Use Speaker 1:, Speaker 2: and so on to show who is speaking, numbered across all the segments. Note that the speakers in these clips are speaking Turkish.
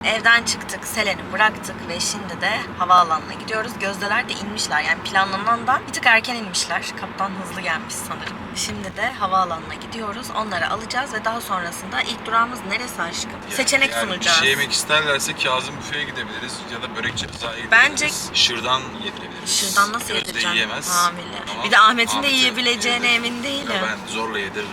Speaker 1: evden çıktık, Selen'i bıraktık ve şimdi de havaalanına gidiyoruz. Gözdeler de inmişler, yani planlanandan bir tık erken inmişler. Kaptan hızlı gelmiş sanırım. Şimdi de havaalanına gidiyoruz. Onları alacağız ve daha sonrasında ilk durağımız neresi aşkım? Seçenek sunacağız.
Speaker 2: Bir şey yemek isterlerse Kazım Büfe'ye gidebiliriz ya da Börekçi Rıza'ya gidebiliriz.
Speaker 1: Bence
Speaker 2: Şırdan yedirebiliriz.
Speaker 1: Şırdan nasıl
Speaker 2: Gözde
Speaker 1: yedireceğim?
Speaker 2: yiyemez.
Speaker 1: Hamile.
Speaker 2: Ama
Speaker 1: Bir de Ahmet'in de
Speaker 2: Ahmet'e
Speaker 1: yiyebileceğine
Speaker 2: yedir.
Speaker 1: emin değilim.
Speaker 2: Ya ben zorla yediririm.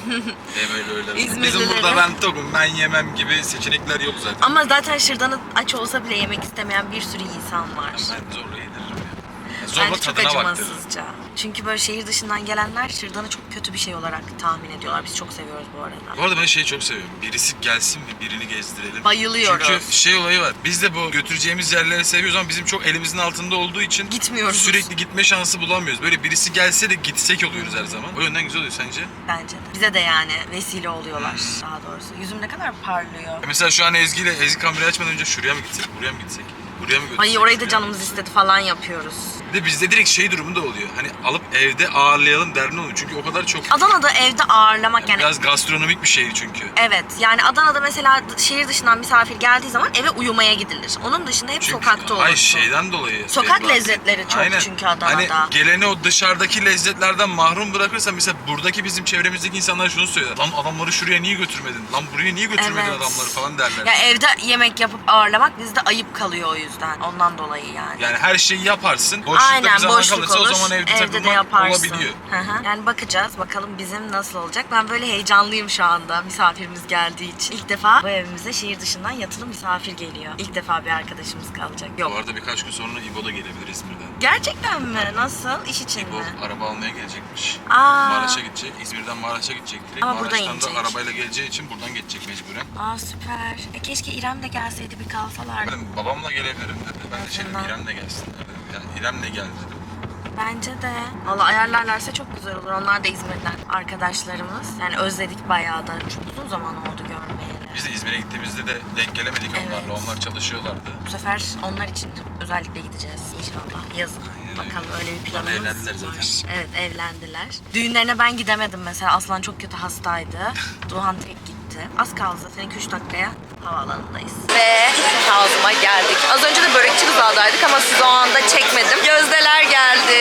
Speaker 2: Hem öyle.
Speaker 1: İzmirlileri.
Speaker 2: Bizim burada ben tokum, ben yemem gibi seçenekler yok zaten.
Speaker 1: Ama zaten şırdanı aç olsa bile yemek istemeyen bir sürü insan var.
Speaker 2: Ben zorla yediririm ya. Zorla
Speaker 1: Bence çok
Speaker 2: tadına baktırırım.
Speaker 1: acımasızca. Çünkü böyle şehir dışından gelenler şırdanı çok kötü bir şey olarak tahmin ediyorlar. Biz çok seviyoruz bu arada.
Speaker 2: Bu arada ben şeyi çok seviyorum. Birisi gelsin ve birini gezdirelim.
Speaker 1: Bayılıyoruz.
Speaker 2: Çünkü şey olayı var. Biz de bu götüreceğimiz yerleri seviyoruz ama bizim çok elimizin altında olduğu için
Speaker 1: Gitmiyoruz.
Speaker 2: sürekli gitme şansı bulamıyoruz. Böyle birisi gelse de gitsek oluyoruz her zaman. O yönden güzel oluyor sence?
Speaker 1: Bence de. Bize de yani vesile oluyorlar daha doğrusu. Yüzüm ne kadar parlıyor.
Speaker 2: Mesela şu an Ezgi kamerayı açmadan önce şuraya mı gitsek, buraya mı gitsek? Buraya mı götürsek?
Speaker 1: Ay orayı da
Speaker 2: şuraya
Speaker 1: canımız
Speaker 2: mı?
Speaker 1: istedi falan yapıyoruz.
Speaker 2: Bir de bizde direkt şey durumu da oluyor. Hani alıp evde ağırlayalım derdi oluyor. Çünkü o kadar çok...
Speaker 1: Adana'da evde ağırlamak yani.
Speaker 2: Biraz gastronomik bir şehir çünkü.
Speaker 1: Evet yani Adana'da mesela şehir dışından misafir geldiği zaman eve uyumaya gidilir. Onun dışında hep sokakta olursun.
Speaker 2: Ay şeyden dolayı.
Speaker 1: Sokak
Speaker 2: bahsettim.
Speaker 1: lezzetleri çok
Speaker 2: Aynen.
Speaker 1: çünkü Adana'da.
Speaker 2: Hani geleni o dışarıdaki lezzetlerden mahrum bırakırsan mesela buradaki bizim çevremizdeki insanlar şunu söylüyor. Lan adamları şuraya niye götürmedin? Lan buraya niye götürmedin
Speaker 1: Evet.
Speaker 2: adamları falan derler.
Speaker 1: Ya evde yemek yapıp ağırlamak bizde ayıp kalıyor o yüzden. Ondan dolayı yani.
Speaker 2: Yani her şeyi yaparsın. Boşlukta bir
Speaker 1: Aynen
Speaker 2: zaman
Speaker 1: boşluk
Speaker 2: kalırsa
Speaker 1: olur.
Speaker 2: o zaman evde
Speaker 1: de
Speaker 2: takılmak
Speaker 1: yaparsın.
Speaker 2: olabiliyor.
Speaker 1: Hı hı. Yani bakacağız bakalım bizim nasıl olacak. Ben böyle heyecanlıyım şu anda misafirimiz geldiği için. İlk defa bu evimize şehir dışından yatılı misafir geliyor. İlk defa bir arkadaşımız kalacak. Yok.
Speaker 2: Bu arada birkaç gün sonra İbo da gelebilir İzmir'den.
Speaker 1: Gerçekten mi? Nasıl? İş için
Speaker 2: İbo
Speaker 1: mi?
Speaker 2: araba almaya gelecekmiş.
Speaker 1: Aa.
Speaker 2: Maraş'a gidecek. İzmir'den Maraş'a gidecek direkt.
Speaker 1: Ama buradan
Speaker 2: Maraş'tan
Speaker 1: inecek.
Speaker 2: da arabayla geleceği için buradan geçecek mecburen.
Speaker 1: Aa süper. Keşke İrem de gelseydi bir kalsalardı.
Speaker 2: Ben babamla gelebilirim dedi. Ben de
Speaker 1: Tamam.
Speaker 2: İrem de gelsin dedi. Yani İrem de geldi dedim.
Speaker 1: Bence de. Valla ayarlarlarsa çok güzel olur. Onlar da İzmir'den arkadaşlarımız. Yani özledik bayağı da. Çok uzun zaman oldu görmeyeli.
Speaker 2: Biz de İzmir'e gittiğimizde de denk gelemedik onlarla.
Speaker 1: Evet.
Speaker 2: Onlar çalışıyorlardı.
Speaker 1: Bu sefer onlar için özellikle gideceğiz inşallah. Yazın. Bakalım öyle bir planımız
Speaker 2: evlendiler
Speaker 1: var.
Speaker 2: zaten.
Speaker 1: Evet evlendiler. Düğünlerine ben gidemedim mesela. Aslan çok kötü hastaydı. Duhan tek gitti. Az kaldı zaten 2-3 dakikaya havaalanındayız. Ve Kazım'a geldik. Az önce de Börekçi Rıza'daydık ama size o anda çekmedim. Gözdeler geldi.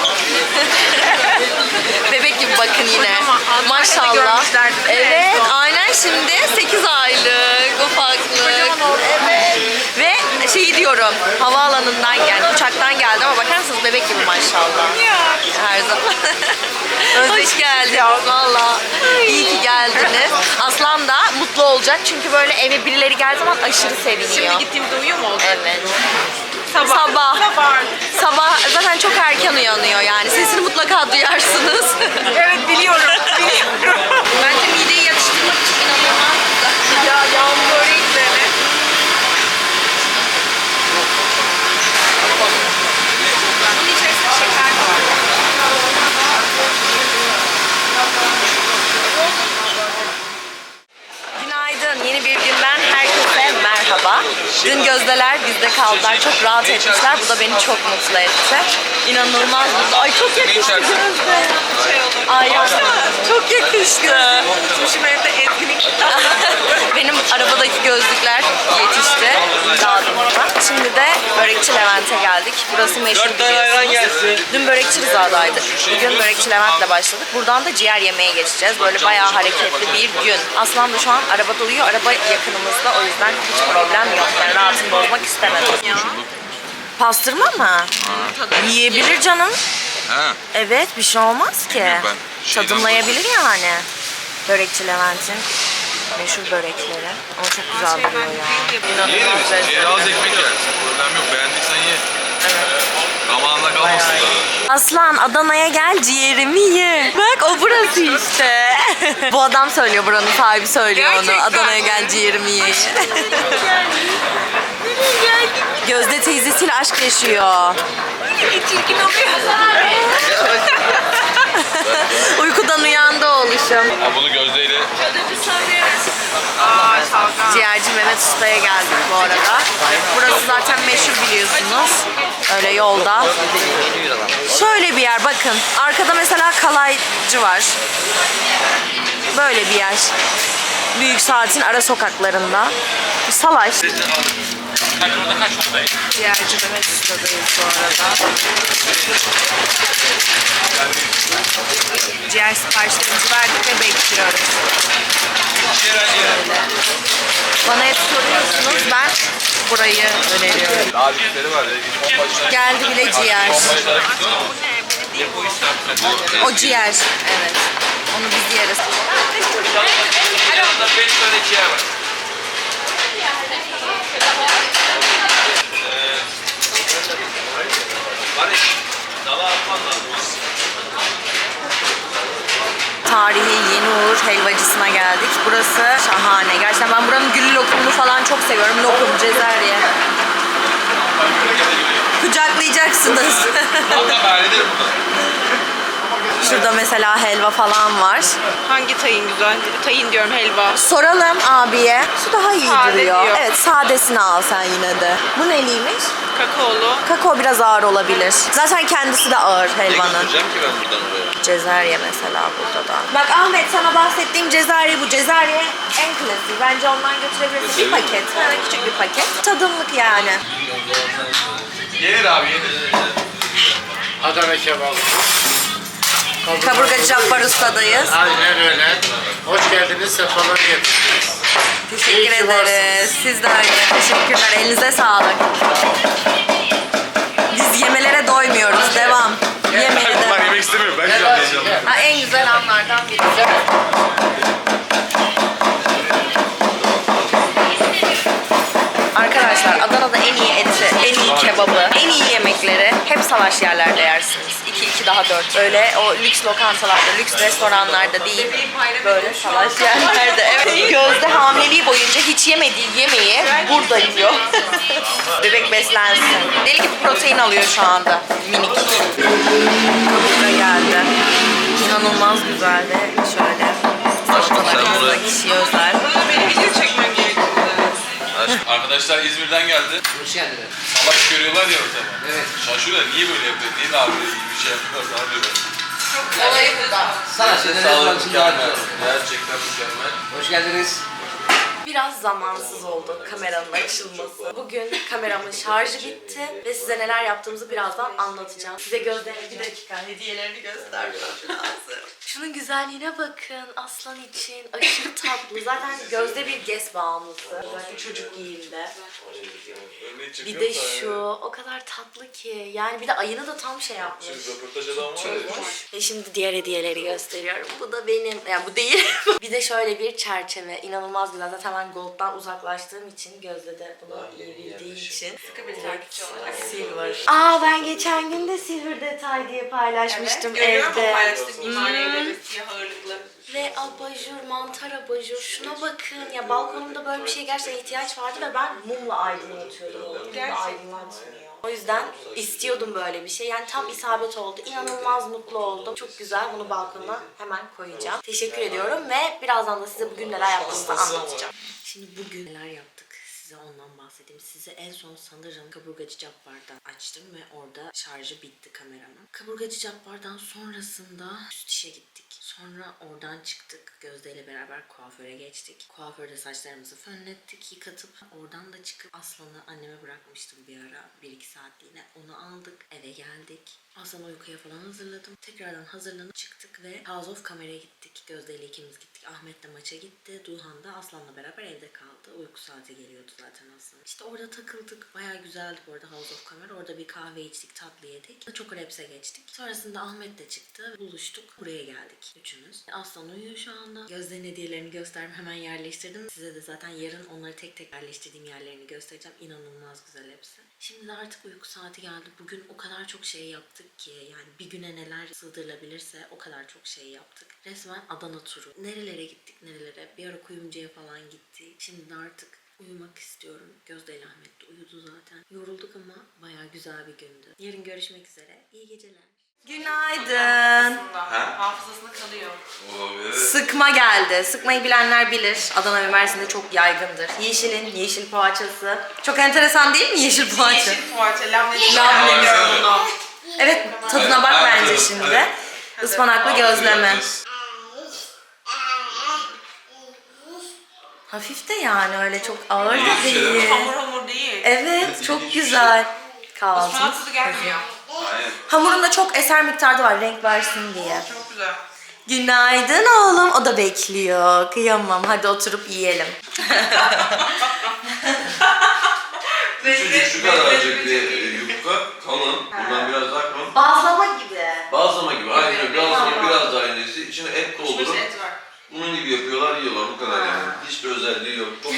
Speaker 1: Bebek gibi bakın yine. Maşallah. Evet aynen şimdi 8 aylık ufaklık. Evet. Ve şeyi diyorum havaalanından yani uçaktan geldi ama bakar mısınız bebek gibi maşallah. Her zaman. Hoş geldiniz valla. İyi ki geldiniz. Aslan da mutlu olacak çünkü böyle eve birileri geldiği zaman aşırı seviniyor.
Speaker 3: Şimdi gittiğimde uyuyor mu oldu?
Speaker 1: Evet. Sabah zaten çok erken uyanıyor yani. Sesini mutlaka duyarsınız.
Speaker 3: Evet biliyorum.
Speaker 1: Bence mideyi yatıştırmak için inanılmaz.
Speaker 3: Ya yağmur böreği üzerine. Bunun içerisinde şeker de var.
Speaker 1: Günaydın. Yeni bir günden herkese merhaba. Dün Gözdeler bizde kaldılar. Çok rahat etmişler. Bu da beni çok mutlu etti. İnanılmaz mutlu. Ay çok yakıştı Gözde. Ay çok yakıştı.
Speaker 3: Tutmuşum evde etkinlik.
Speaker 1: Benim arabadaki gözlükler yetişti. Dağıtımda. Şimdi de Börekçi Levent'e geldik. Burası meşhur biliyorsunuz. Dün Börekçi Rıza'daydık. Bugün Börekçi Levent'le başladık. Buradan da ciğer yemeye geçeceğiz. Böyle bayağı hareketli bir gün. Aslan da şu an arabada uyuyor. Araba yakınımızda. O yüzden hiç problem yok. Yani rahatını bozmak istemedim. Pastırma mı? Yiyebilir canım.
Speaker 2: Ha.
Speaker 1: Evet bir şey olmaz ki.
Speaker 2: Bilmiyorum ben. Şeyden
Speaker 1: Tadımlayabilir yani. Börekçi Levent'in meşhur börekleri. Ama çok güzel duruyor ya. İnanılmaz lezzetli.
Speaker 2: Az ekmek yersin. Problem yok. Beğendiysen ye. Zamanında kalmasın da.
Speaker 1: Aslan Adana'ya gel ciğerimi ye. Bak o burası işte. Bu adam söylüyor, buranın sahibi söylüyor onu.
Speaker 3: Gerçekten.
Speaker 1: Adana'ya gel ciğerimi ye. Gözde teyzesiyle aşk yaşıyor.
Speaker 3: Çirkin oluyor.
Speaker 1: Uykudan uyandı oğluşum.
Speaker 2: Ha, bunu gözdeyle
Speaker 1: Ciğerci Mehmet Usta'ya geldik bu arada. Burası zaten meşhur biliyorsunuz. Öyle yolda. Şöyle bir yer bakın. Arkada mesela kalaycı var. Böyle bir yer. Büyük Saat'in ara sokaklarında. Salaş. Ciğerci Mehmet Usta'dayız bu arada. Ciğer siparişlerimizi verdik ve bekliyoruz. Böyle. Bana hep soruyorsunuz, ben burayı öneriyorum.
Speaker 2: Daha büyükleri var ya.
Speaker 1: Geldi bile ciğer. O ciğer, evet. Onu biz yeriz.
Speaker 2: Yanında 5 tane ciğer var.
Speaker 1: Tarihi Yeniuğur helvacısına geldik. Burası şahane. Gerçekten ben buranın güllü lokumunu falan çok seviyorum. Lokum, cezerye. Kucaklayacaksınız. Şurada mesela helva falan var.
Speaker 3: Hangi tayin güzel? Tayin diyorum, helva.
Speaker 1: Soralım abiye. Şu daha iyi
Speaker 3: Sade
Speaker 1: duruyor.
Speaker 3: diyor.
Speaker 1: Evet, sadesini al sen yine de. Bu neliymiş?
Speaker 3: Kakaolu.
Speaker 1: Kakao biraz ağır olabilir. Zaten kendisi de ağır helvanın.
Speaker 2: Götüreceğim ki ben buradan oraya.
Speaker 1: Cezerye mesela burada da. Bak Ahmet, sana bahsettiğim cezerye bu. Cezerye en klasiği. Bence ondan götürebilirsin. Bir paket. Ha, küçük bir paket. Tadımlık yani.
Speaker 2: Yenir abi yenir.
Speaker 4: Adana kebabı.
Speaker 1: Kaburgacı Cabbar Usta'dayız.
Speaker 4: Aynen öyle. Hoş geldiniz, sefalar getirdiniz.
Speaker 1: Teşekkür
Speaker 4: İyi ki
Speaker 1: ederiz. Siz de öyle. Teşekkürler. Elinize sağlık. Biz yemelere doymuyoruz. Devam. Yemeğe devam.
Speaker 2: Yemek istemiyorum. Ben şu an heyecanlıyım.
Speaker 1: Ha, en güzel anlardan biri. Arkadaşlar Adana'da en iyi eti, en iyi kebabı, en iyi yemekleri hep salaş yerlerde yersiniz. 2 daha 4. Öyle o lüks lokantalarda, lüks restoranlarda değil. Böyle salaş yerlerde. Evet. Gözde hamileliği boyunca hiç yemediği yemeği burada yiyor. Bebek beslensin. Deli gibi protein alıyor şu anda. Minik. Kaburga geldi. İnanılmaz güzel ve şöyle salatalarımızda kişiye özel.
Speaker 3: Benim video çekmem gerekiyor.
Speaker 2: Arkadaşlar İzmir'den geldi.
Speaker 4: Hoş geldiniz.
Speaker 2: Salaş görüyorlar ya ortada.
Speaker 4: Evet.
Speaker 2: Şaşırıyorlar. Niye böyle yapıyor? Niye de abi iyi bir şey yapıyorlar falan diyorlar.
Speaker 1: Olayı burada.
Speaker 4: Sana
Speaker 2: Sağlık mükemmel. Gerçekten mükemmel.
Speaker 4: Hoş geldiniz.
Speaker 1: Biraz zamansız oldu kameranın açılması. Bugün kameramın şarjı bitti ve size neler yaptığımızı birazdan anlatacağım. Size Gözde'nin bir dakika hediyelerini göstermem lazım. Şunun güzelliğine bakın. Aslan için aşırı tatlı. Zaten Gözde bir GES bağımlısı. Özellikle çocuk giyimde. Bir de şu o kadar tatlı ki. Yani bir de ayını da tam şey yapmış.
Speaker 2: Röportaj adamı var ya.
Speaker 1: Ve şimdi diğer hediyeleri gösteriyorum. Bu da benim. Yani bu değil. Bir de şöyle bir çerçeve. İnanılmaz güzel. Zaten ben Gold'dan uzaklaştığım için Gözde de bunu iyi bildiği için.
Speaker 3: Sıkı bir takipçi olarak.
Speaker 1: Silver. Aa, ben geçen gün de silver detay diye paylaşmıştım
Speaker 3: Görüyorum o
Speaker 1: evde.
Speaker 3: paylaştığım mimari evleri, siyah ağırlıklı.
Speaker 1: Ve abajur, mantar abajur. Şuna bakın. Ya balkonumda böyle bir şeye gerçekten ihtiyaç vardı ve ben mumla aydınlatıyordum. Mumla aydınlatmıyor. O yüzden istiyordum böyle bir şey. Yani tam isabet oldu. İnanılmaz mutlu oldum. Çok güzel. Bunu balkona hemen koyacağım. Teşekkür ediyorum ve birazdan da size bugün neler yaptığımızı anlatacağım. Şimdi bugün neler yaptık? Size ondan bahsedeyim. Size en son sanırım Kaburgacı Cabbar'dan açtım ve orada şarjı bitti kameranın. Kaburgacı Cabbar'dan sonrasında üst işe gittik. Sonra oradan çıktık. Gözde ile beraber kuaföre geçtik. Kuaförde saçlarımızı fönlettik, yıkatıp oradan da çıkıp Aslan'ı anneme bırakmıştım bir ara. 1-2 saatliğine. Onu aldık. Eve geldik. Aslan'ı uykuya falan hazırladım. Tekrardan hazırlanıp çıktık ve House of Kamera'ya gittik. Gözde ile ikimiz gittik. Ahmet de maça gitti. Duhan da Aslan'la beraber evde kaldı. Uyku saati geliyordu zaten Aslan. İşte orada takıldık. Bayağı güzeldi bu arada House of Camera. Orada bir kahve içtik, tatlı yedik. Chocoraps'e geçtik. Sonrasında Ahmet de çıktı. Buluştuk. Buraya geldik üçümüz. Aslan uyuyor şu anda. Gözde'nin hediyelerini gösterdim. Hemen yerleştirdim. Size de zaten yarın onları tek tek yerleştirdiğim yerlerini göstereceğim. İnanılmaz güzel hepsi. Şimdi de artık uyku saati geldi. Bugün o kadar çok şey yaptık ki yani bir güne neler sığdırılabilirse o kadar çok şey yaptık. Resmen Adana turu. Nerelere gittik nerelere. Bir ara Kuyumcu'ya falan gittik. Şimdi de artık uyumak istiyorum. Gözde ile Ahmet de uyudu zaten. Yorulduk ama bayağı güzel bir gündü. Yarın görüşmek üzere. İyi geceler. Günaydın.
Speaker 3: Hafızasında kalıyor.
Speaker 2: Olabilir.
Speaker 1: Sıkma geldi. Sıkmayı bilenler bilir. Adana ve Mersin'de çok yaygındır. Yeşilin yeşil poğaçası. Çok enteresan değil mi yeşil poğaça?
Speaker 3: Yeşil poğaça, labneli.
Speaker 1: Labneli. Evet, tadına bak bence şimdi. Ispanaklı gözleme. Hafif de yani öyle çok ağır
Speaker 2: İyi
Speaker 1: da
Speaker 2: bir şey değil mi?
Speaker 1: değil.
Speaker 3: Hamur hamur değil.
Speaker 1: Evet çok güzel.
Speaker 3: Osman
Speaker 1: Kahvaltımız.
Speaker 3: tadı gelmiyor.
Speaker 2: Aynen.
Speaker 1: Hamurunda çok eser miktarda var renk versin diye.
Speaker 3: Çok güzel.
Speaker 1: Günaydın oğlum. O da bekliyor. Kıyamam. Hadi oturup yiyelim.
Speaker 5: Küçücük şu kadarcık bir yufka kalın. Bundan biraz daha kalın.
Speaker 1: Bazlama gibi.
Speaker 5: Bazlama gibi. Aynı
Speaker 3: Evet,
Speaker 5: bazlama biraz daha incesi. İçine et doldurup
Speaker 3: Et var.
Speaker 5: bunun gibi yapıyorlar, yiyorlar. Bu kadar yani. Hiçbir özelliği yok. Çok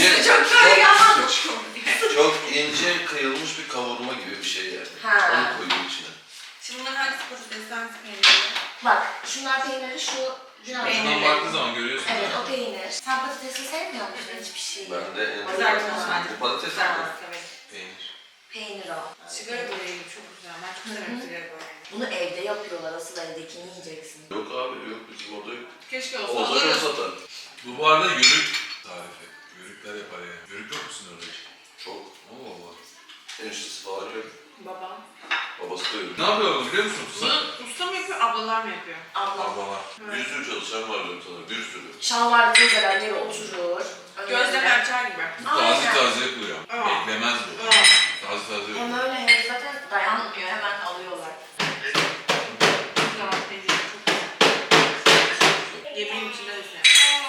Speaker 5: çok ince kıyılmış bir kavurma gibi bir şey yani.
Speaker 1: Ha.
Speaker 5: Onu koyuyor içine.
Speaker 3: Şimdi bunların hangisi patates, hangisi peynirli?
Speaker 1: Bak şunlar peyniri şu biraz.
Speaker 2: Şundan baktığın zaman görüyorsun.
Speaker 1: Evet o peynir. Sen patatesi sevmiyor musun hiçbir şeyi?
Speaker 5: Ben de en çok
Speaker 3: Kızartılmış bence.
Speaker 5: bu patates mi?
Speaker 3: Kızartılmış, evet.
Speaker 2: Peynir.
Speaker 1: Peynir o.
Speaker 3: Sigara böreği çok güzel. Ben çok severim sigara böreğini.
Speaker 1: Bunu evde yapıyorlar. Asıl evdekini yiyeceksin.
Speaker 5: Yok abi yok bizim orada yok.
Speaker 3: Keşke olsa
Speaker 5: Olsa çok
Speaker 3: alırız.
Speaker 5: satar.
Speaker 2: Bu arada yörük tarifi. Yörükler yapar yani. Yörük yok musun orada hiç?
Speaker 5: Çok.
Speaker 2: Allah Allah.
Speaker 5: Eniştesi falan yok.
Speaker 3: Babam.
Speaker 5: Babası da yok.
Speaker 2: Ne yapıyorlar biliyor musun?
Speaker 3: Bunu usta mı yapıyor, ablalar mı yapıyor?
Speaker 1: Ablam.
Speaker 2: Ablalar.
Speaker 5: Bir sürü çalışan var diyorum sana. Bir sürü.
Speaker 1: Şalvarlı teyzeler yere oturur.
Speaker 3: Gözleme açar gibi.
Speaker 2: Taze taze yapılıyor.
Speaker 3: Aa.
Speaker 2: Beklemez bu.
Speaker 3: Aa.
Speaker 2: Taze taze
Speaker 1: Hem
Speaker 2: yapılıyor.
Speaker 1: öyle hem zaten dayanmıyor. Hemen alıyorlar.
Speaker 3: Güzel, peyniri çok güzel. Yemeğin içinde de güzel.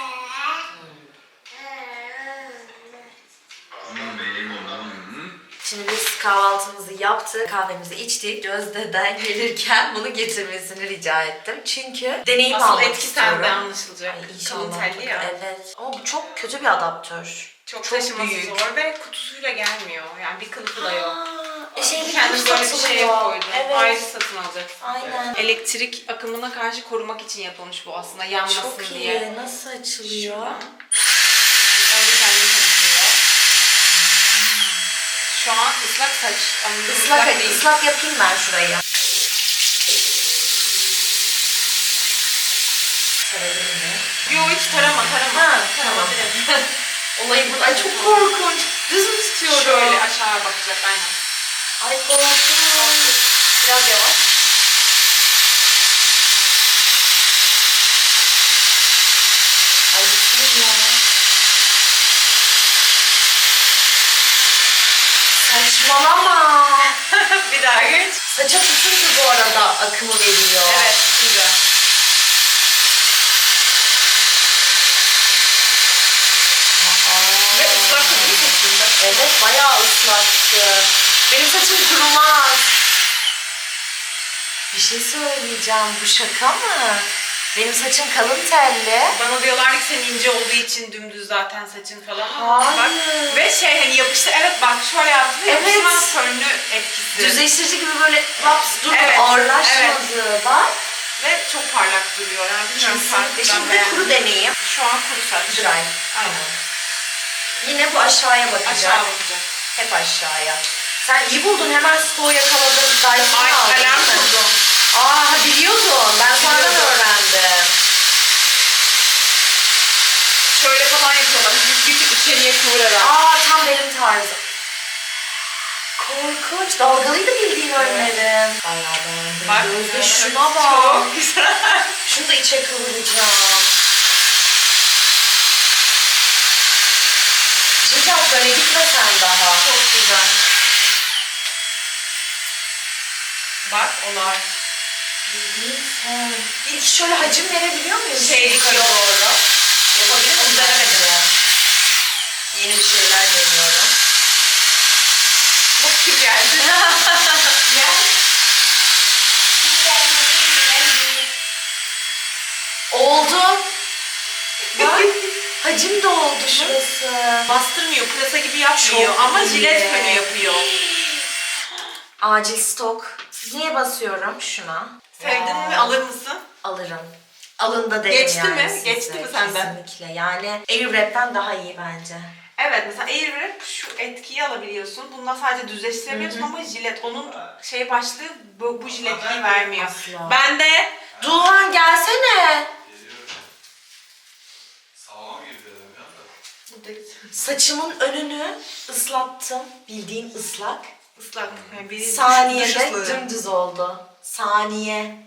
Speaker 1: Şimdi biz kahvaltımızı yaptık, kahvemizi içtik. Gözde'den gelirken bunu getirmesini rica ettim. Çünkü deneyim
Speaker 3: Asıl
Speaker 1: almak
Speaker 3: etki
Speaker 1: istiyorum.
Speaker 3: sende anlaşılacak.
Speaker 1: Ay,
Speaker 3: Kalın
Speaker 1: inşallah.
Speaker 3: telli ya.
Speaker 1: Evet. Ama bu çok kötü bir adaptör.
Speaker 3: Çok taşıması
Speaker 1: büyük.
Speaker 3: zor ve kutusuyla gelmiyor. Yani bir kılıfı da yok.
Speaker 1: Şey
Speaker 3: Kendim böyle bir şey koydum.
Speaker 1: Evet.
Speaker 3: Ayrı satın alacaksın.
Speaker 1: Aynen.
Speaker 3: Elektrik akımına karşı korumak için yapılmış bu aslında, yanmasın
Speaker 1: Çok iyi.
Speaker 3: diye.
Speaker 1: Nasıl açılıyor?
Speaker 3: Şuradan. Önce kendini temizliyor. Şu an ıslak saç. Ama
Speaker 1: Islak,
Speaker 3: değil.
Speaker 1: ıslak yapayım ben şurayı. Sarayım mı?
Speaker 3: Yo hiç tarama.
Speaker 1: Ha, tamam. Olayı bu. Ay çok korkunç. Düz mü tutuyorum?
Speaker 3: Şöyle aşağı bakacak aynen.
Speaker 1: Ay korkunç.
Speaker 3: Biraz yavaş.
Speaker 1: Ay bittim ya. Saçmalama.
Speaker 3: Bir daha geç.
Speaker 1: Saça tutunca bu arada akımı veriyor.
Speaker 3: Evet, güzel. Ve ıslak da değil mi aslında?
Speaker 1: Evet bayağı ıslaktı. Benim saçım kurumaz. Bir şey söyleyeceğim. Bu şaka mı? Benim saçım kalın telli.
Speaker 3: Bana diyorlar ki senin ince olduğu için dümdüz zaten saçın falan.
Speaker 1: Hayır.
Speaker 3: Bak, ve şey hani yapıştı, evet bak şöyle yaptı,
Speaker 1: Evet.
Speaker 3: yapışma fönlü etkisi.
Speaker 1: Düzleştirici gibi böyle laps dur
Speaker 3: Evet,
Speaker 1: ağırlaşmadı. Bak.
Speaker 3: Ve çok parlak duruyor yani bilmiyorum
Speaker 1: Kesinlikle.
Speaker 3: farklı,
Speaker 1: Şimdi
Speaker 3: ben
Speaker 1: de kuru
Speaker 3: beğendim.
Speaker 1: deneyeyim.
Speaker 3: Şu an kuru saç.
Speaker 1: Dry.
Speaker 3: Aynen.
Speaker 1: Yine bu aşağıya bakacak.
Speaker 3: Aşağı bakacak.
Speaker 1: Hep aşağıya. Sen iyi buldun. Hemen stoğu yakaladın. Dyson'ı
Speaker 3: Ay
Speaker 1: aldın.
Speaker 3: alarm
Speaker 1: değil mi?
Speaker 3: kurdum.
Speaker 1: Aa biliyordum. Ben sonradan
Speaker 3: Biliyordum.
Speaker 1: öğrendim.
Speaker 3: Şöyle falan yapıyorlar. Bir tık içeriye kıvırarak.
Speaker 1: Aa tam benim tarzım. Korkunç. Dalgalıydı bildiğin önlerim. Bayağı beğendim.
Speaker 3: Bak,
Speaker 1: Gözde
Speaker 3: evet,
Speaker 1: şuna bak.
Speaker 3: Çok güzel.
Speaker 1: Şunu da içe kıvıracağım. Cicak böyle gitmesen daha.
Speaker 3: Çok güzel. Bak olay.
Speaker 1: Bildiğin sen. Bir şöyle hacim verebiliyor muyum?
Speaker 3: Şeylik
Speaker 1: Yukarı
Speaker 3: yok.
Speaker 1: doğru. Yapabilir miyim?
Speaker 3: Onu denemedim.
Speaker 1: Yeni bir şeyler deniyorum.
Speaker 3: Bak kim geldi. Gel.
Speaker 1: Oldu. Bak. Hacim de oldu şurası.
Speaker 3: Bastırmıyor, pırasa gibi yapmıyor
Speaker 1: Çok
Speaker 3: ama
Speaker 1: iyi.
Speaker 3: jilet fönü yapıyor.
Speaker 1: Acil stok. Niye basıyorum şuna?
Speaker 3: Sevdin mi, alır mısın?
Speaker 1: Alırım. Alında derim
Speaker 3: Geçti
Speaker 1: yani
Speaker 3: mi?
Speaker 1: size.
Speaker 3: Geçti mi senden?
Speaker 1: Kesinlikle. Yani Airwrap'ten daha iyi bence.
Speaker 3: Evet, mesela Airwrap şu etkiyi alabiliyorsun. Bundan sadece düzleştiremiyorsun ama jilet onun şey başlığı bu jiletliği vermiyor.
Speaker 1: Asla.
Speaker 3: Ben de
Speaker 1: Doğan gelsene.
Speaker 2: Sağlam gibi dedim ya da.
Speaker 1: Saçımın önünü ıslattım. Bildiğin ıslak.
Speaker 3: ıslak. Yani bir duş
Speaker 1: Saniyede
Speaker 3: ıslığı.
Speaker 1: dümdüz oldu. Saniye.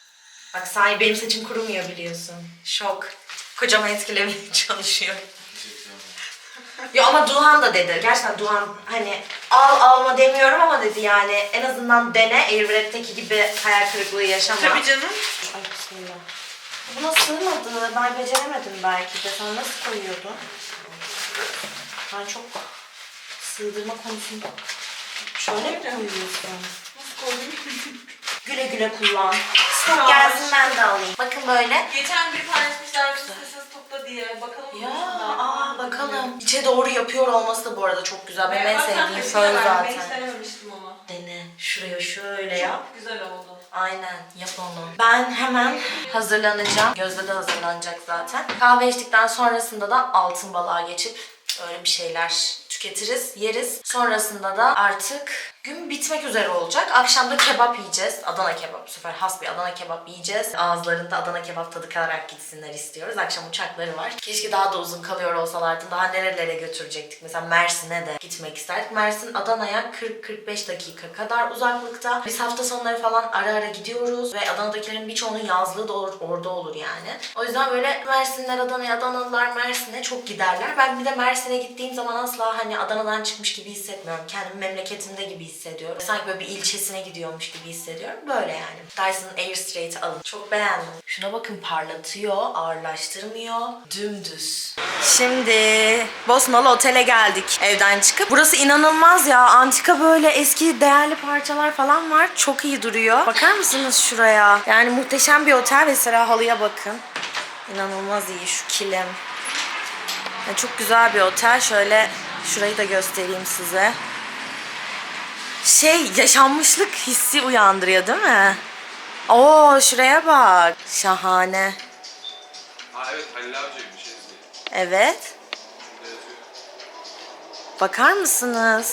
Speaker 1: Bak sahi benim saçım kurumuyor biliyorsun. Şok. Kocama etkilemeye çalışıyor.
Speaker 2: Teşekkür
Speaker 1: Ya ama Duhan da dedi. Gerçekten Duhan hani alma demiyorum ama dedi yani en azından dene. Airwrap'teki gibi hayal kırıklığı yaşama.
Speaker 3: Tabii canım.
Speaker 1: Ay bismillah. Buna sığmadı. Ben beceremedim belki de. Sen nasıl koyuyordun? Ben çok sığdırma konusunda şöyle mi koyuyorsun?
Speaker 3: Nasıl koydun?
Speaker 1: Güle güle kullan. Stok gelsin ben de alayım. Bakın böyle.
Speaker 3: Geçen bir paylaşmışlar sessiz topla diye. Bakalım.
Speaker 1: Ya
Speaker 3: mı?
Speaker 1: bakalım. İçe doğru yapıyor olması da bu arada çok güzel. Benim en
Speaker 3: Bak, sen
Speaker 1: sevdiğim
Speaker 3: de
Speaker 1: fön
Speaker 3: güzel. Ben hiç
Speaker 1: zaten.
Speaker 3: denememiştim onu.
Speaker 1: Dene. Şuraya şöyle yap.
Speaker 3: Çok güzel oldu.
Speaker 1: Aynen yap onu. Ben hemen hazırlanacağım. Gözde de hazırlanacak zaten. Kahve içtikten sonrasında da altın balığa geçip öyle bir şeyler tüketiriz, yeriz. Sonrasında da artık gün bitmek üzere olacak. Akşam da kebap yiyeceğiz. Adana kebap. Bu sefer has bir Adana kebap yiyeceğiz. Ağızlarında Adana kebap tadı kalarak gitsinler istiyoruz. Akşam uçakları var. Keşke daha da uzun kalıyor olsalardı. Daha nerelere götürecektik. Mesela Mersin'e de gitmek isterdik. Mersin Adana'ya 40-45 dakika kadar uzaklıkta. Biz hafta sonları falan ara ara gidiyoruz. Ve Adana'dakilerin birçoğunun yazlığı da orada olur yani. O yüzden böyle Mersinler Adana'ya, Adanalılar Mersin'e çok giderler. Ben bir de Mersin'e gittiğim zaman asla hani Adana'dan çıkmış gibi hissetmiyorum. Kendimi memleketimde gibi hissediyorum. Sanki böyle bir ilçesine gidiyormuş gibi hissediyorum. Böyle yani. Dyson Airstraight'i alın. Çok beğendim. Şuna bakın parlatıyor, ağırlaştırmıyor. Dümdüz. Şimdi Bosnalı Otel'e geldik evden çıkıp. Burası inanılmaz ya. Antika böyle eski değerli parçalar falan var. Çok iyi duruyor. Bakar mısınız şuraya? Yani muhteşem bir otel. Mesela halıya bakın. İnanılmaz iyi şu kilim. Yani çok güzel bir otel. Şöyle şurayı da göstereyim size. Yaşanmışlık hissi uyandırıyor değil mi? Oo şuraya bak. Şahane.
Speaker 2: Ha evet Halil Avcı'ymış.
Speaker 1: Evet. Bakar mısınız?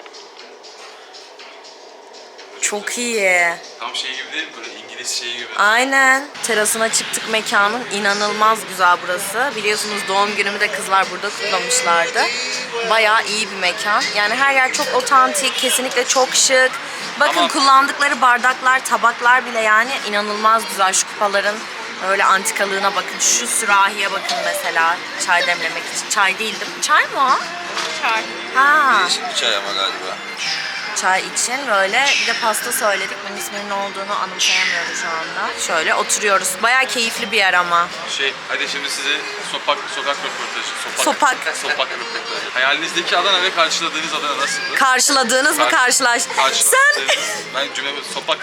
Speaker 1: Çok iyi.
Speaker 2: Tam şey gibi değil mi? Böyle İngiliz şeyi gibi.
Speaker 1: Aynen. Terasına çıktık mekanın. İnanılmaz güzel burası. Biliyorsunuz doğum günümü de kızlar burada kutlamışlardı. Bayağı iyi bir mekan. Yani her yer çok otantik, kesinlikle çok şık. Bakın
Speaker 2: Ama
Speaker 1: kullandıkları bardaklar, tabaklar bile yani inanılmaz güzel. Şu kupaların öyle antikalığına bakın. Şu sürahiye bakın mesela. Çay demlemek için. Çay değil değil mi? Çay mı o?
Speaker 3: Çay.
Speaker 1: Ha.
Speaker 5: Değişik bir çay ama galiba.
Speaker 1: Çay için böyle bir de pasta söyledik. Bunun isminin ne olduğunu anımsayamıyorum şu anda. Şöyle oturuyoruz. Bayağı keyifli bir yer ama.
Speaker 2: Hadi şimdi size sokak röportajı.
Speaker 1: Sopak.
Speaker 2: Sokak röportajı. Hayalinizdeki Adana ve karşıladığınız Adana nasıldı?
Speaker 1: Karşıladığınız mı karşılaş? Sen
Speaker 2: Ben cümlemi sopak.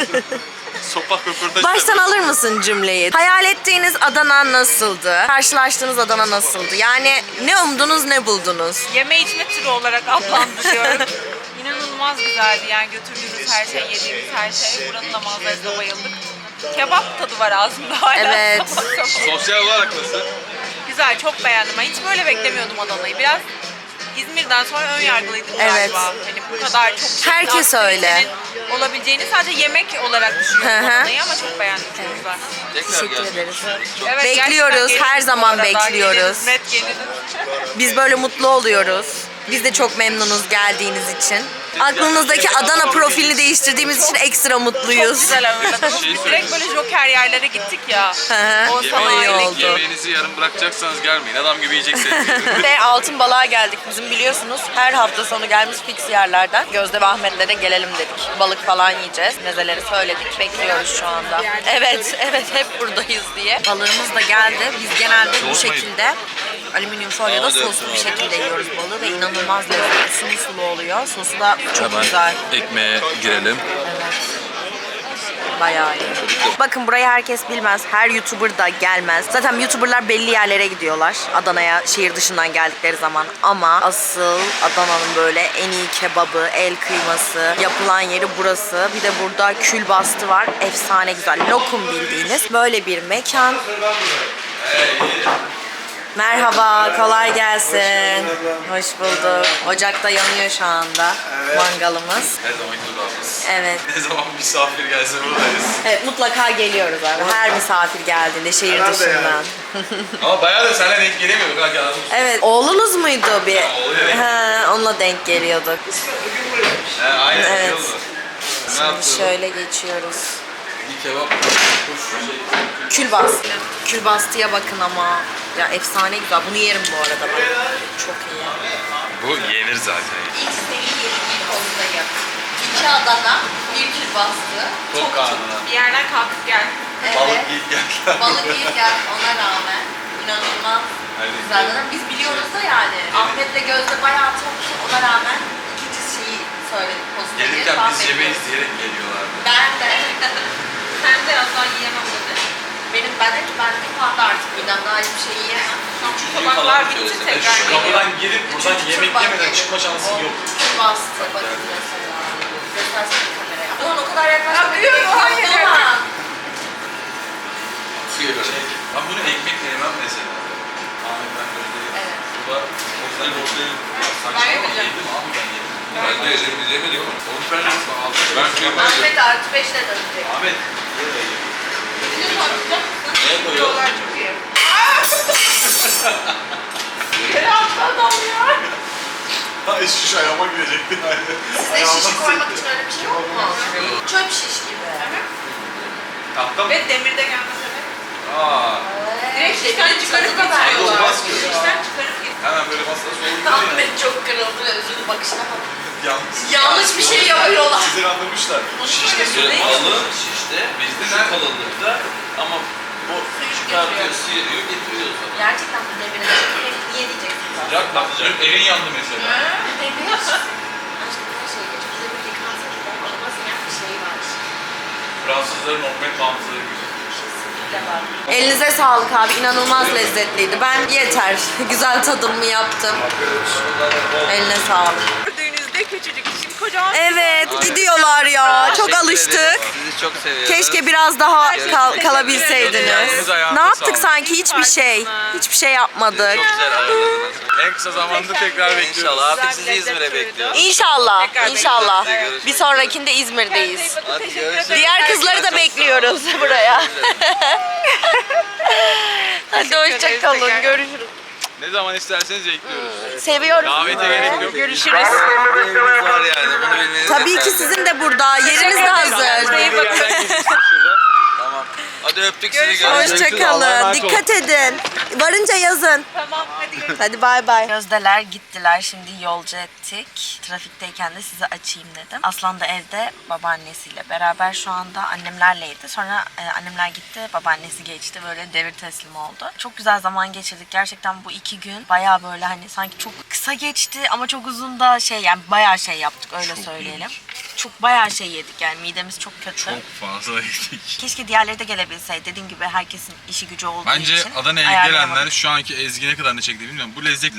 Speaker 2: Sopak röportajı.
Speaker 1: baştan alır mısın cümleyi? Hayal ettiğiniz Adana nasıldı? Karşılaştığınız Adana nasıldı? Yani ne umdunuz ne buldunuz?
Speaker 3: Yeme içme turu olarak adlandırıyorum. İnanılmaz güzeldi yani götürdüğümüz her şey, yediğimiz her şey. Buranın da manzarasına bayıldık. Kebap tadı var ağzımda hala.
Speaker 1: Evet.
Speaker 2: Sosyal olarak nasıl?
Speaker 3: Güzel, çok beğendim. Ben hiç böyle beklemiyordum Adana'yı. Biraz İzmir'den sonra ön yargılıydım
Speaker 1: Evet.
Speaker 3: galiba. Hani bu kadar çok
Speaker 1: Herkes öyle.
Speaker 3: olabileceğini sadece yemek olarak düşünüyordum
Speaker 1: Hı hı.
Speaker 3: Adana'yı ama çok beğendim. Çok güzel.
Speaker 1: Teşekkür ederiz.
Speaker 3: Evet,
Speaker 1: Bekliyoruz,
Speaker 3: gerçekten
Speaker 1: her
Speaker 3: geliriz
Speaker 1: zaman
Speaker 3: bu arada.
Speaker 1: bekliyoruz.
Speaker 3: Geliriz, net geliriz.
Speaker 1: Biz böyle mutlu oluyoruz. Biz de çok memnunuz geldiğiniz için. Aklınızdaki Adana profilini değiştirdiğimiz için ekstra
Speaker 3: Çok
Speaker 1: mutluyuz.
Speaker 3: güzel ağırladınız. Biz direkt böyle joker yerlere gittik ya.
Speaker 1: hı.
Speaker 3: O sanayi
Speaker 1: iyi oldu.
Speaker 2: Yemeğinizi yarım bırakacaksanız gelmeyin. Adam gibi yiyeceksiniz.
Speaker 1: Ve Altın Balığa geldik. Bizim biliyorsunuz her hafta sonu gelmiş fix yerlerden. Gözde ve Ahmet'le de gelelim dedik. Balık falan yiyeceğiz. Mezeleri söyledik. Bekliyoruz şu anda. Evet, hep buradayız diye. Balığımız da geldi. Biz genelde bu şekilde alüminyum folyoda soslu bir şekilde yiyoruz balığı ve inanılmaz lezzetli, sulu sulu oluyor. Sosu da çok güzel.
Speaker 2: Ekmeğe girelim.
Speaker 1: Evet. Bayağı iyi. Bakın burayı herkes bilmez. Her YouTuber da gelmez. Zaten YouTuber'lar belli yerlere gidiyorlar. Adana'ya şehir dışından geldikleri zaman. Ama asıl Adana'nın böyle en iyi kebabı, el kıyması yapılan yeri burası. Bir de burada külbastı var. Efsane güzel. Lokum bildiğiniz. Böyle bir mekan. Merhaba, kolay gelsin. Hoş bulduk. Ocakta yanıyor şu anda mangalımız.
Speaker 2: Her zaman durağımız.
Speaker 1: Evet.
Speaker 2: Ne zaman misafir gelse buradayız.
Speaker 1: Evet, mutlaka geliyoruz abi. Her misafir geldiğinde şehir dışından.
Speaker 2: Ama bayağı da seninle denk gelemiyorduk ha anladın mı?
Speaker 1: Evet, oğlunuz muydu bir?
Speaker 2: oğluyla denk
Speaker 1: Ha, onunla denk geliyorduk.
Speaker 2: He aynen
Speaker 1: Evet.
Speaker 2: şey oldu. Ne
Speaker 1: Şimdi
Speaker 2: yaptın?
Speaker 1: şöyle geçiyoruz.
Speaker 2: Bir kebap.
Speaker 1: Külbast. Külbastıya bakın ama. Ya efsane güzel. Bunu yerim bu arada ben. Çok iyi.
Speaker 2: Bu yenir zaten.
Speaker 1: İlk seni yedim kolundayım. 2 Adana, 1 külbastı.
Speaker 2: Çok karnına.
Speaker 3: Bir yerden kalkıp gel.
Speaker 1: Evet.
Speaker 2: ilk gel.
Speaker 1: Balık iyi gel ona rağmen. İnanılmaz güzel. Zaten biz biliyoruz da yani. Ahmet'le Gözde bayağı toplu ona rağmen ikinci şeyi söyledik pozitif.
Speaker 2: Gelirken biz yemeği diyerek geliyorlardı.
Speaker 1: Ben de.
Speaker 3: Sen de asla yiyemem dedi.
Speaker 1: Ben de ki ben de fazla artık midem daha hiçbir şey yiyemem.
Speaker 3: Tabaklar bitti tekrar geliyor.
Speaker 2: Kapıdan girip buradan
Speaker 1: Üçüncü
Speaker 2: yemek
Speaker 1: turban
Speaker 2: yemeden
Speaker 1: yedim.
Speaker 2: çıkma şansın yok.
Speaker 1: Bastı bakın mesela. Göstersene kameraya. Ulan o kadar yaklaştım.
Speaker 3: Yapıyorum, hayır.
Speaker 2: Ben bunu ekmekle yemem mesela. Ahmet ben Gözde'yi.
Speaker 1: Evet.
Speaker 2: Bu da o yüzden Gözde'yi
Speaker 3: Ben yemeyeceğim.
Speaker 2: yedim abi ben yedim.
Speaker 5: Ben de yemedik mi?
Speaker 2: Onu ben nasıl aldım?
Speaker 5: Ben kıyamadım.
Speaker 1: Ahmet artı 5'le dönecek.
Speaker 2: Ahmet.
Speaker 5: Neye koyuyorsun?
Speaker 3: Yollar çok iyi. Yere attı adam ya.
Speaker 2: Ay şiş ayağıma girecekti.
Speaker 1: Size şişi koymak için öyle bir şey yok mu? Çöp şiş gibi.
Speaker 2: Tahta mı?
Speaker 3: Ve demirde gelmese de.
Speaker 2: Aa.
Speaker 3: Direkt şişten çıkarıp
Speaker 2: Olmaz
Speaker 3: getiriyorlar.
Speaker 2: ki.
Speaker 3: Şişten çıkarıp getiriyorlar.
Speaker 2: Hemen böyle masada soğuk
Speaker 1: Ahmet çok kırıldı ve üzüldü bakışına bak.
Speaker 2: Yalnız.
Speaker 1: Yanlış bir şey yapıyorlar.
Speaker 2: Sizleri anlamışlar.
Speaker 5: Şişte sürekli kalın şişte.
Speaker 2: Bizde
Speaker 5: Şu
Speaker 2: nerede?
Speaker 5: kalınlıkta ama bu çıkartıyor, sıyırıyor, getiriyor sana.
Speaker 1: Gerçekten bu devirde niye diyeceksin zaten?
Speaker 2: Sıcak bak. Elin yandı mesela.
Speaker 1: Demir. Aşkım her şey geç. Bize bir yıkansa bile olmasın yani bir şey var.
Speaker 2: Fransızların Ahmet bağımsızlığı gibi.
Speaker 1: Elinize sağlık abi. İnanılmaz lezzetliydi. Ben yeter. Güzel tadımımı yaptım. Eline sağlık.
Speaker 3: Gördüğünüzde küçücük şimdi kocaman.
Speaker 1: Evet gidiyorlar ya. Çok alıştık.
Speaker 5: Sizi çok seviyorum.
Speaker 1: Keşke biraz daha kalabilseydiniz.
Speaker 2: Eliniz ayağınıza
Speaker 1: Ne yaptık
Speaker 2: sağlık.
Speaker 1: sanki hiçbir şey. Hiçbir şey yapmadık.
Speaker 5: Çok güzel ağırladınız.
Speaker 2: En kısa zamanda tekrar bekliyoruz.
Speaker 5: İnşallah artık
Speaker 3: Güzel
Speaker 5: sizi
Speaker 3: bir
Speaker 5: İzmir'e
Speaker 3: lezzet
Speaker 5: bekliyoruz.
Speaker 1: İnşallah.
Speaker 3: Tekrar
Speaker 1: İnşallah.
Speaker 5: bekleriz.
Speaker 1: Bir sonrakinde İzmir'deyiz.
Speaker 5: Hadi
Speaker 3: Teşekkür
Speaker 5: görüşürüz.
Speaker 3: ederim.
Speaker 1: Diğer kızları da bekliyoruz buraya. Hadi hoşça kalın. Görüşürüz.
Speaker 2: Ne zaman isterseniz bekliyoruz.
Speaker 1: Seviyorum
Speaker 2: Davete
Speaker 1: sizi.
Speaker 2: gerek yok.
Speaker 1: Görüşürüz.
Speaker 5: Bir evimiz var yani bunu bilmeniz
Speaker 1: Tabii ki
Speaker 5: yeterli.
Speaker 1: sizin de burada. Yeriniz de hazır.
Speaker 3: İyi bakın.
Speaker 5: Tamam. Hadi öptük sizi.
Speaker 3: Görüşürüz.
Speaker 5: Görüşürüz.
Speaker 1: Hoşça kalın. Dikkat edin. Varınca yazın.
Speaker 3: Tamam hadi görüşürüz.
Speaker 1: Hadi bay bay. Gözdeler gittiler. Şimdi yolcu ettik. Trafikteyken de size açayım dedim. Aslan da evde babaannesiyle beraber şu anda annemlerleydi. Sonra annemler gitti. Babaannesi geçti. Böyle devir teslim oldu. Çok güzel zaman geçirdik. Gerçekten bu 2 gün bayağı böyle hani sanki çok kısa geçti ama çok uzun da yani bayağı şey yaptık öyle söyleyelim. Çok bayağı şey yedik yani midemiz çok kötü.
Speaker 2: Çok fazla yedik.
Speaker 1: Keşke diğerleri de gelebilseydi. Dediğim gibi herkesin işi gücü olduğu
Speaker 2: Bence
Speaker 1: için.
Speaker 2: Adana'ya
Speaker 1: ayarlayamadık.
Speaker 2: gelenler şu anki Ezgi ne kadar ne çekti bilmiyorum. Bu lezzet.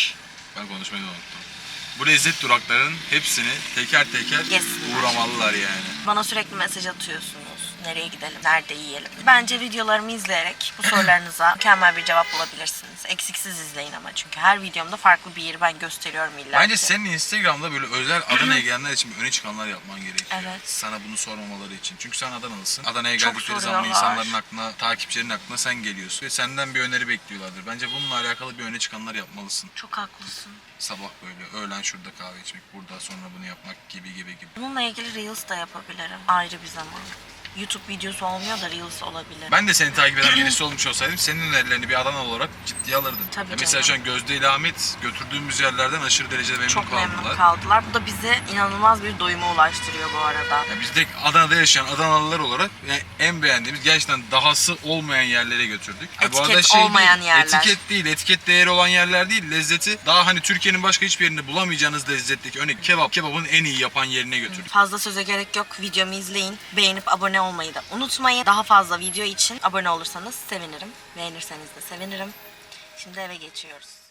Speaker 2: Ben konuşmayı da unuttum. Bu lezzet duraklarının hepsini teker teker
Speaker 1: Yesinler.
Speaker 2: uğramalılar yani.
Speaker 1: Bana sürekli mesaj atıyorsunuz. Nereye gidelim, nerede yiyelim. Bence videolarımı izleyerek bu sorularınıza mükemmel bir cevap bulabilirsiniz. Eksiksiz izleyin ama çünkü her videomda farklı bir yeri ben gösteriyorum illa
Speaker 2: Bence
Speaker 1: ki.
Speaker 2: senin Instagram'da böyle özel Adana'ya gelenler için öne çıkanlar yapman gerekiyor.
Speaker 1: Evet.
Speaker 2: Sana bunu sormamaları için. Çünkü sen Adanalısın. Adana'ya
Speaker 1: Çok
Speaker 2: geldikleri zaman
Speaker 1: soruyorlar.
Speaker 2: insanların aklına, takipçilerin aklına sen geliyorsun. Ve senden bir öneri bekliyorlardır. Bence bununla alakalı bir öne çıkanlar yapmalısın.
Speaker 1: Çok haklısın.
Speaker 2: Sabah böyle, öğlen şurada kahve içmek, burada sonra bunu yapmak gibi.
Speaker 1: Bununla ilgili Reels da yapabilirim ayrı bir zaman. YouTube videosu olmuyor da Reels olabilir.
Speaker 2: Ben de seni takip eden birisi olmuş olsaydım senin önerilerini bir Adanalı olarak ciddiye alırdım.
Speaker 1: Tabii
Speaker 2: Ya mesela
Speaker 1: canım.
Speaker 2: şu an Gözde ile Ahmet götürdüğümüz yerlerden aşırı derecede memnun
Speaker 1: Çok
Speaker 2: kaldılar.
Speaker 1: memnun kaldılar. Bu da bizi inanılmaz bir doyuma ulaştırıyor bu arada.
Speaker 2: Ya biz de Adana'da yaşayan Adanalılar olarak yani en beğendiğimiz gerçekten dahası olmayan yerlere götürdük. Ya bu arada
Speaker 1: Etiket olmayan
Speaker 2: değil,
Speaker 1: yerler.
Speaker 2: etiket değeri olan yerler değil, lezzeti daha hani Türkiye'nin başka hiçbir yerinde bulamayacağınız lezzetteki örnek kebabın en iyi yapan yerine götürdük.
Speaker 1: Fazla söze gerek yok. Videomu izleyin. Beğenip abone olmayı da unutmayın. Daha fazla video için abone olursanız sevinirim. Beğenirseniz de sevinirim. Şimdi eve geçiyoruz.